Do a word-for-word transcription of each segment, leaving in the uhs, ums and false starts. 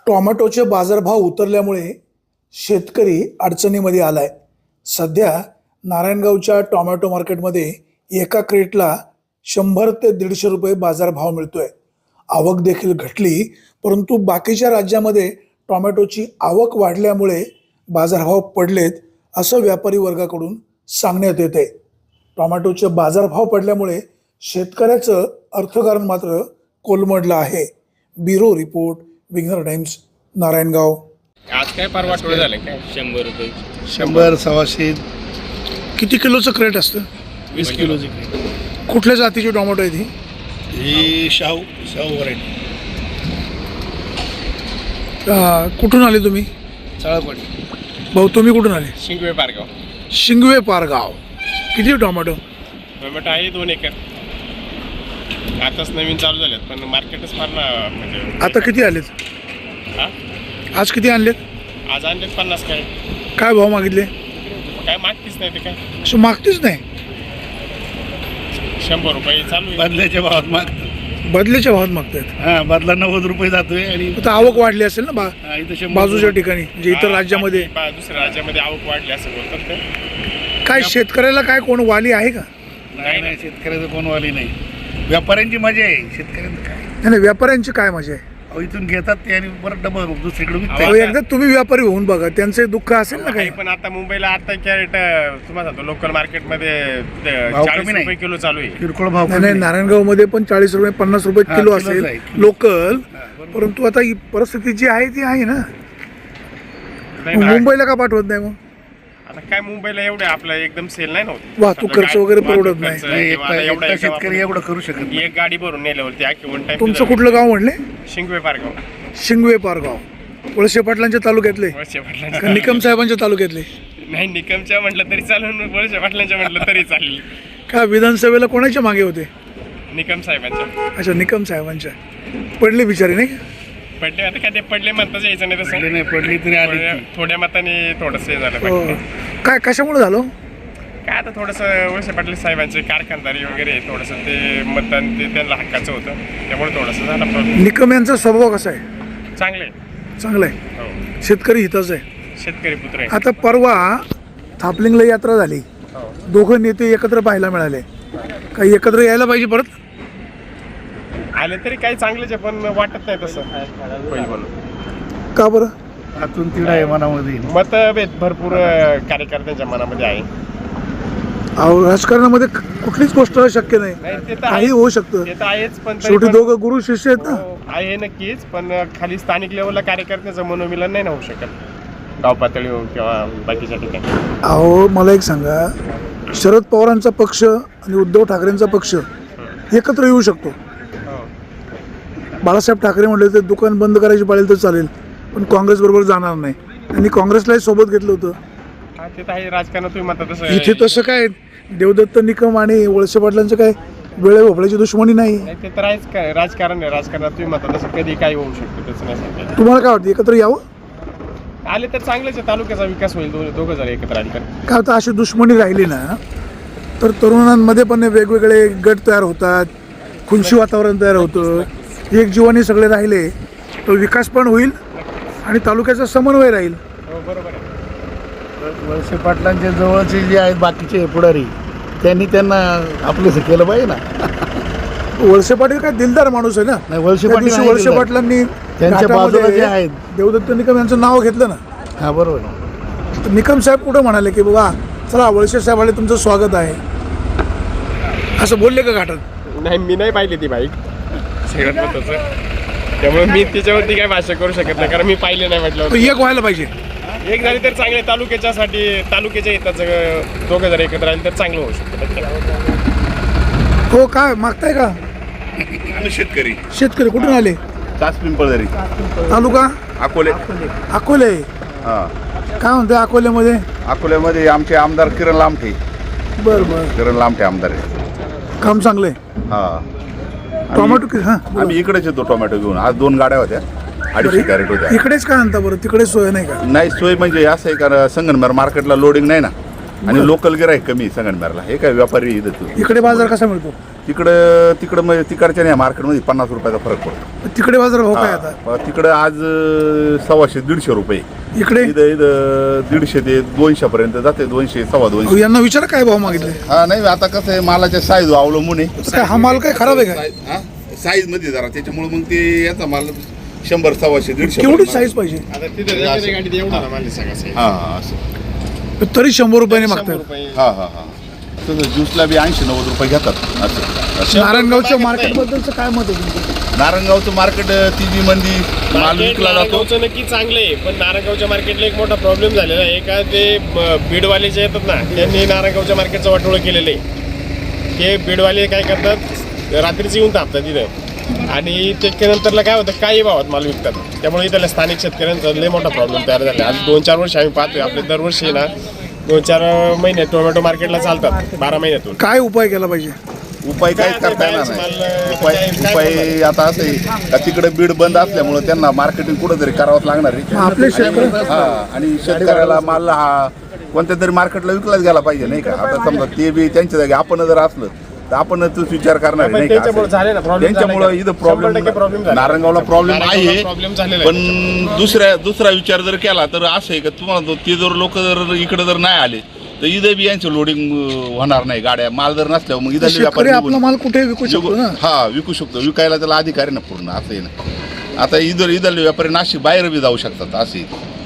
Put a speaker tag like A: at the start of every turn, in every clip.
A: टोमॅटोचे बाजारभाव उतरल्यामुळे शेतकरी अडचणीमध्ये आलाय। सध्या नारायणगावच्या टोमॅटो मार्केटमध्ये एका क्रेटला शंभर ते दीडशे रुपये बाजारभाव मिळतोय। आवक देखील घटली, परंतु बाकीच्या राज्यामध्ये टोमॅटोची आवक वाढल्यामुळे बाजारभाव पडलेत असं व्यापारी वर्गाकडून सांगण्यात येते। टोमॅटोचे बाजारभाव पडल्यामुळे शेतकऱ्याचं अर्थकारण मात्र कोलमडलं आहे। Bureau report, Vighnahar Times, Narayangaon.
B: आज काय परवा थोडे झाले काय शंभर रुपये
C: शंभर सव्वाशे
A: किती किलोचं क्रेट असतं?
B: वीस किलोची क्रेट।
A: कुठल्या जातीची टोमॅटो आहे ती?
C: ही शाहू शाहू व्हरायटी
A: अं, कुठून आले तुम्ही?
C: चाळापाडी।
A: भाऊ तुम्ही कुठून आले?
B: शिंगवे पारगाव।
A: शिंगवे पारगाव। किती टोमॅटो?
B: टोमॅटो आहे दोन एकर। आताच नवीन चालू झालेत पण मार्केटच फार ना म्हणजे
A: आता किती आलेत?
B: हा
A: आज किती आणलेत?
B: आज आणलेत पन्नास काय
A: काय भाव मागितले?
B: काय मागतीच नाही ते काय
A: असं मागतेच नाही।
B: शंभर रुपये चालू आहे।
C: बदल्याच्या भावात माग
A: बदल्याच्या भावात मागतायत।
C: हा बदला नव्वद रुपये जातोय आणि
A: आता आवक वाढली असेल ना बा
C: हा, इथं शंभर
A: बाजूच्या ठिकाणी, म्हणजे इतर
B: हा,
A: राज्यामध्ये।
B: बा- दुसऱ्या राज्यामध्ये आवक वाढली असं बोलतात ते।
A: काय शेतकऱ्याला काय कोण वाली आहे का?
C: नाही नाही शेतकऱ्याचं कोण वाली नाही। व्यापाऱ्यांची मजा आहे, शेतकऱ्यांचं काय
A: नाही नाही, व्यापाऱ्यांची काय मजा आहे?
C: अहो, इथून घेतात ते आणि परत डबल दुसरीकडे
A: अहो,
C: विकतात।
A: एकदा तुम्ही व्यापारी होऊन बघा, त्यांचं दुःख असेल ना काही।
B: काही पण आता मुंबईला आता कॅरेट तुम्हाला सांगतो लोकल मार्केटमध्ये
C: भाव
B: चाळीस
C: कमी नाही.
B: रुपये किलो चालू आहे।
C: किरकोळ भाव
A: नाही नाही,
C: कमी नाही.
A: नारायणगाव मध्ये पण चाळीस रुपये पन्नास रुपये
C: हा,
A: किलो
C: किलोच
A: असेल
C: आहे.
A: लोकल,
C: हा, बरोबर.
A: परंतु आता ही परिस्थिती जी आहे ती आहे ना।
B: नाही
A: मग
B: ना,
A: मुंबईला का पाठवत नाही मग?
B: आता काय मुंबईला एवढे आपलं एकदम सेल नाही नव्हतं।
A: वाहतूक खर्च वगैरे परवडत नाही।
C: नाही, एकटा एकटा शेतकरी एवढं करू शकत नाही।
B: एक गाडी भरून नेल्यावरती अख्खी वन टाइम।
A: तुमचं कुठलं गाव म्हणले?
B: शिंगवे पारगाव।
A: शिंगवे पारगाव, वळसे पाटलांच्या तालुक्यातले
B: वळसे पाटलांच्या
A: का निकम साहेबांच्या तालुक्यातले?
B: नाही, निकमच्या म्हटलं तरी चालेल, वळसे पाटलांच्या म्हटलं तरी चालेल।
A: का विधानसभेला कोणाच्या मागे होते?
B: निकम साहेबांच्या
A: अच्छा, निकम साहेबांच्या। पडले बिचारे नाही का?
B: पडले आता काय ते पडले म्हणताच यायचं नाही
C: पडली
B: तसं।
C: नाही पडली तरी आली
B: थोड्या-
C: ती.
B: थोड्या मताने थोडंसं हे झालं
A: हो.
B: बाकी
A: काय कशामुळे झालं?
B: काय आता थोडंसं वळसे पाटील साहेबांचे कारखानदारी वगैरे थोडंसं ते मतदान ते त्यांना हक्काचं होतं, त्यामुळे थोडंसं झालं प्रॉब्लेम।
A: निकम यांचा स्वभाव कसा आहे?
B: चांगले
A: चांगला आहे,
B: हो,
A: शेतकरी हिताचा आहे।
B: शेतकरी पुत्र आहे।
A: आता परवा थापलिंगला यात्रा झाली,
B: हो.
A: दोघं नेते एकत्र पाहायला मिळाले। काही एकत्र यायला पाहिजे परत?
B: आले तरी काही चांगलेच आहे, पण वाटत नाही तसं होईल म्हणून।
A: का बरं?
C: आतून तिडा आहे मनामध्ये।
B: मतभेद भरपूर अं, कार्यकर्त्यांच्या मनामध्ये आहे।
A: अहो, राजकारणामध्ये क- कुठलीच गोष्ट शक्य नाही,
B: नाही, ते तर
A: काही
B: आहेच.
A: होऊ शकतं।
B: ते तर आहेच, पण तरी
A: शेवटी
B: पण-
A: दोघं गुरु शिष्य आहेत ना।
B: हो, आहे नक्कीच, पण खाली स्थानिक लेवलला कार्यकर्त्याचं मनोमिलन नाही ना होऊ शकत, गाव पातळीवर किंवा बाकीच्या ठिकाणी।
A: अहो, मला एक सांगा, शरद पवारांचा पक्ष आणि उद्धव ठाकरेंचा पक्ष एकत्र येऊ शकतो।
B: हो.
A: बाळासाहेब ठाकरे म्हटले तर दुकान बंद करायची पाळेल तर चालेल, पण काँग्रेस बरोबर जाणार नाही, आणि काँग्रेसलाही सोबत घेतलं होतं।
B: हा, ते तर आहे राजकारणात तुम्ही म्हणता तसं
A: इथे तसं काय देवदत्त निकम आणि वळसे पाटलांचं काय वेळे भोपळ्याची दुश्मनी नाही।
B: नाही, ते तर आहेच काय राजकारण आहे, राजकारणात तुम्ही म्हणता तसं कधी काही होऊ शकतं, त्याचं नाही सांगता.
A: तुम्हाला काय वाटतं, एकत्र यावं?
B: आले तर चांगलेच आहे, तालुक्याचा विकास होईल दोन दोघं जर एकत्र आले तर।
A: का आता अशी दुश्मनी राहिली ना तर तरुणांमध्ये पण वेगवेगळे गट तयार होतात, खुनशी वातावरण तयार होतं। एक जीवाने सगळे राहिले तर विकास पण होईल आणि तालुक्याचा समन्वय राहील।
B: हो, बरोबर आहे।
C: वळसे पाटलांच्या जवळचे जे आहेत बाकीचे पुढारी, त्यांनी त्यांना आपलंसं केलं पाहिजे ना।
A: वळसे पाटील काय दिलदार माणूस आहे ना।
C: नाही, वळसे
A: त्या
C: पाटील
A: दिवशी
C: नाही
A: वळसे
C: दिलदार.
A: पाटलांनी
C: त्यांच्या बाजूला
A: घाटामध्ये
C: जे आहेत.
A: देवदत्त निकम यांचं नाव घेतलं ना,
C: हा बरोबर आहे.
A: तर निकम साहेब कुठं म्हणाले की बाबा चला वळसे साहेब आले, तुमचं स्वागत आहे, असं बोलले का घाटात?
B: नाही, मी नाही पाहिली ती बाईक सगळ्यात महत्त्वाचं, त्यामुळे मी त्याच्यावरती काही भाष्य करू शकत नाही, कारण मी पाहिले नाही म्हटलं.
A: तर एक व्हायला पाहिजे।
B: एक झाली तर चांगले, तालुक्याच्यासाठी तालुक्याच्या हिताचं दोघं जर एकत्र आले तर चांगलं होऊ शकतं।
A: हो, काय मागताय का?
D: शेतकरी
A: शेतकरी कुठून आले?
D: तास पिंपळदरी
A: तालुका
D: अकोले
A: अकोले।
D: हा
A: काय म्हणते अकोल्यामध्ये?
D: अकोल्यामध्ये आमचे आमदार किरण लामठे
A: बरं बरं,
D: किरण लामठे आमदार आहे.
A: काम चांगलंय।
D: हा
A: टोमॅटो कि- हा बोला.
D: आम्ही इकडेच येतो टोमॅटो घेऊन. आज दोन गाड्या होत्या, अडीचशे कॅरेट होत्या.
A: इकडेच का आणता बरं, तिकडे सोय नाही का?
D: नाही सोय म्हणजे असं आहे, कारण संगमनेर मार्केटला लोडिंग नाही ना, आणि लोकल गिराईक कमी आहे संगमनेरला. हे काय व्यापारी इथं तू
A: इकडे बाजार कसा मिळतो?
D: तिकडं तिकडं म्हणजे तिकडच्या नाही मार्केटमध्ये पन्नास रुपयाचा फरक पडतो.
A: तिकडे बाजार भाव काय आता?
D: हा, तिकडं आज अं, सव्वाशे दीडशे रुपये.
A: इकडे
D: इथं इथं दीडशे ते दोनशे पर्यंत जाते, दोनशे सव्वा
A: अहो,
D: दोनशे.
A: यांना विचारा काय भाव मागितले?
D: हा नाही आता कसं आहे मालाच्या साईज अवलंबून आहे.
A: काय हा माल काय खराब आहे काय?
D: साईज मध्ये जरा त्याच्यामुळे मग ते याचा माल शंभर सव्वाशे दीडशे
A: केवढी
D: पर्यंत.
A: साईज पाहिजे?
B: आता तिथे एखाद्या गाडीत एवढा ना माल सगळा size.
D: हा हा असं
A: तरी शंभर रुपयाने
B: शंभर
A: मागतात.
B: रुपये.
D: हा हा हा तसं ज्यूसला बी ऐंशी नव्वद रुपये घेतात असं असं.
A: नारायणगावच्या
B: मागित
A: मार्केट
B: नाही.
A: बद्दलचं काय मत आहे तुमचं?
D: नारायणगावचं मार्केट ती जी मंदी माल
B: मार्केट
D: विकला जातो.
B: नारायणगावचं नक्की चांगलं आहे, पण नारायणगावच्या मार्केटला एक मोठा प्रॉब्लेम झालेला आहे का ते ब- बीडवाले जे येतात ना त्यांनी नारायणगावच्या मार्केटचं वाटोळं केलेलं आहे. ते बीडवाले काय करतात, रात्रीच येऊन तापतात तिथं आणि त्याच्यानंतरला काय होतं काही भावात माल विकतात. त्यामुळे इथल्या स्थानिक शेतकऱ्यांचा लय मोठा प्रॉब्लेम तयार झाला. आज दोन चार वर्ष आम्ही पाहतोय आपले दरवर्षी ना दोन चार महिने टोमॅटो मार्केटला चालतात बारा महिन्यातून.
A: काय उपाय केला पाहिजे?
D: उपाय काहीच
B: काय
D: करता येणार
B: बाहेरचं
D: नाही.
B: माल,
D: उपाय
B: काय- काय
D: उपाय आता असं आहे का तिकडे बीड बंद असल्यामुळे त्यांना मार्केटिंग कुठंतरी करावंच लागणार आहे.
A: आपले शेतकरी
D: हा आणि शेतकऱ्याला माल हा कोणत्या तरी मार्केटला विकलाच गेला पाहिजे नाही का. आता समजा ते बी त्यांच्या जागी आपण जर असलं तर आपण तोच विचार करणार आहे, नाही का.
B: त्याच्यामुळे झाले ना problem
D: त्यांच्यामुळे
B: झाले.
D: इथं
B: शंभर टक्के problem
D: प्रॉब्लेम
B: झाले.
D: नारायणगावला प्रॉब्लेम
B: नारायणगावला
D: आहे.
B: problem झालेला आहे
D: पण दुसऱ्या दुसरा विचार जर केला तर असं आहे का तुम्हाला तो- ते जर लोक जर इकडे जर नाही आले तर इथं बी यांचं लोडिंग होणार नाही गाड्या. माल जर नसल्यावर मग इथं
A: शेतकरी आपला माल कुठे विकू शकतो ना.
D: हा विकू शकतो, विकायला त्याला अधिकार आहे ना पूर्ण. असं आहे ना. आता इधर इधरले व्यापारी नाशिक बाहेर बी जाऊ शकतात असे.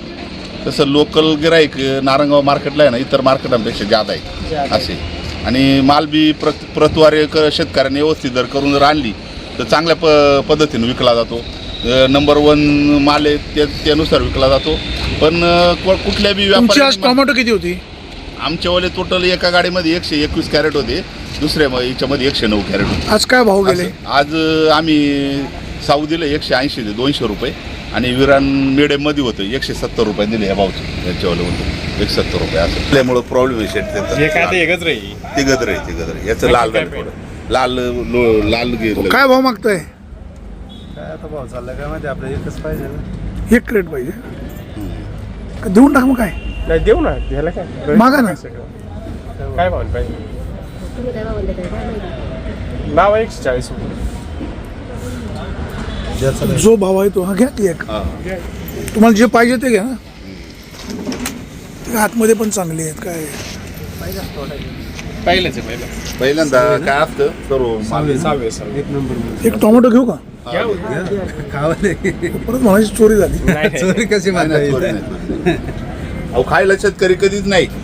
D: तसं लोकल गिराईक नारायणगाव मार्केटला आहे ना इतर मार्केटांपेक्षा जादा आहे असे. आणि माल बी प्रत प्रतवारी क शेतकऱ्यांनी व्यवस्थित जर करून जर आणली तर चांगल्या प पद्धतीने विकला जातो. नंबर वन माल आहे ते त्यानुसार विकला जातो. पण अ, कु- कुठल्या बी
A: तुमची आज
D: व्यापारी
A: टोमॅटो किती होती?
D: आमच्यावाले टोटल एका गाडीमध्ये एकशे एकवीस कॅरेट होते, दुसऱ्या म- याच्यामध्ये एकशे नऊ कॅरेट होते.
A: आज काय भाव गेले?
D: असं. आज अ, आम्ही साऊ दिलं एकशे ऐंशी ते दोनशे रुपये आणि विरान मिडियममध्ये होतं एकशे सत्तर रुपये दिले ह्या भावचे. याच्यावाले होतं एकशे सत्तर रुपये असं. त्यामुळं प्रॉब्लेम आहे
B: हे काय
D: शेट
B: ते एकच राहील.
D: ते गदर आहे ते गदर आहे. याचं लाल झालं थोडं लाल लो- लाल गेलं.
A: काय भाव मागताय?
E: काय आता भाव चालला काय माहिती आपल्याला एकच पाहिजे ना.
A: एक क्रेट पाहिजे का देऊन टाक मग काय
B: नाही देऊ ना घ्यायला काय
A: मागा ना.
B: काय भाव पाहिजे?
F: तुम्ही काय म्हणले काय माहिती?
B: नाव आहे एकशे चाळीस रुपये.
E: ज्याचं नाही.
A: जो भाव आहे तो हा घ्या की एक.
D: हा.
A: तुम्हाला जे पाहिजे ते घ्या ना. ते आतमध्ये पण चांगली आहेत काय.
B: पहिलेच आहे पहिलं.
D: पहिल्यांदा काय असतं सर्व माल
B: सहावे सहावे.
E: एक नंबर मध्ये.
A: एक टोमॅटो घेऊ का?
B: घ्या हो.
E: खावा नाही.
A: परत म्हणायची चोरी झाली.
B: नाही, नाही.
E: चोरी कशी
D: नाही, नाही,
E: मानता
D: चोरी नाही, चोरी नाही. अहो खायला शेतकरी कधीच नाही.